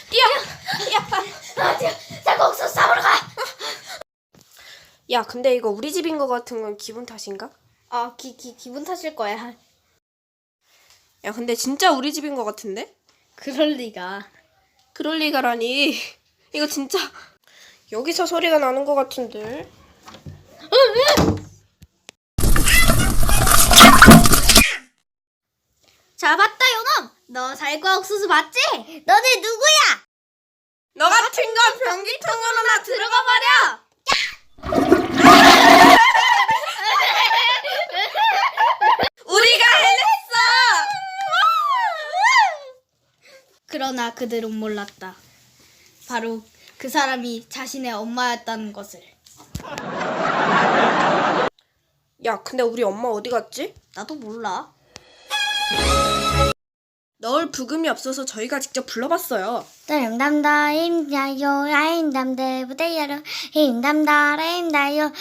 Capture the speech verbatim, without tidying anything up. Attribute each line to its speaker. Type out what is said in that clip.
Speaker 1: 뛰어! 야, 뛰어! 자, 옥수수 잡으러 가! 야, 근데 이거 우리 집인 거 같은 건 기분 탓인가?
Speaker 2: 아, 기, 기, 기분 탓일 거야.
Speaker 1: 야, 근데 진짜 우리 집인 거 같은데?
Speaker 2: 그럴 리가.
Speaker 1: 그럴 리가라니. 이거 진짜 여기서 소리가 나는 거 같은데.
Speaker 2: 잡았다, 요놈! 너 살과 옥수수 맞지? 너네 누구야?
Speaker 1: 너 같은 건 변기통으로나 들어가 버려! 우리가 해냈어!
Speaker 2: 그러나 그들은 몰랐다. 바로 그 사람이 자신의 엄마였다는 것을.
Speaker 1: 야, 근데 우리 엄마 어디 갔지?
Speaker 2: 나도 몰라.
Speaker 1: 넣을 부금이 없어서 저희가 직접 불러봤어요.
Speaker 3: 힘담다 힘야요 아임담대 부대여로 힘담다 힘다요